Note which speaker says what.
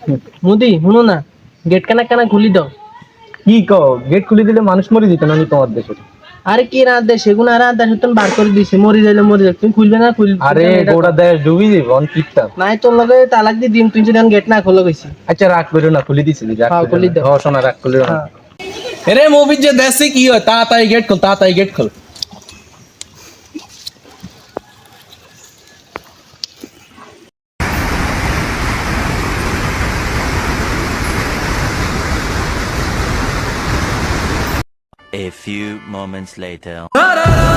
Speaker 1: মুদি শুনো না, গেট কানা কানা খুলি দাও।
Speaker 2: কি কও, গেট খুলে দিলে মানুষ মরে দিত না আমি তোমার দেশে?
Speaker 1: আরে কি রাত দেয় সেগুন আর রাত দেয় তুমি বার করে দিছে, মরি যাইলে মরি যাক, তুমি খুলবে না
Speaker 2: আরে গোটা দেশ ডুবি দিব অন কিপটা।
Speaker 1: নাই তোর লগে তালাক দিয়ে দিন, তুই যদি গেট না খোলো গেছি।
Speaker 2: আচ্ছা রাগ করো না, খুলে দিছি, রাগ
Speaker 1: হ্যাঁ,
Speaker 2: করো
Speaker 1: খুলি দাও।
Speaker 2: না। ও সোনা, রাগ করো না।
Speaker 1: হ্যাঁ।
Speaker 2: আরে মুভির যে দেশে কি হয়, তাড়াতাড়ি গেট খোল, তাড়াতাড়ি গেট খোল।
Speaker 3: A few moments later.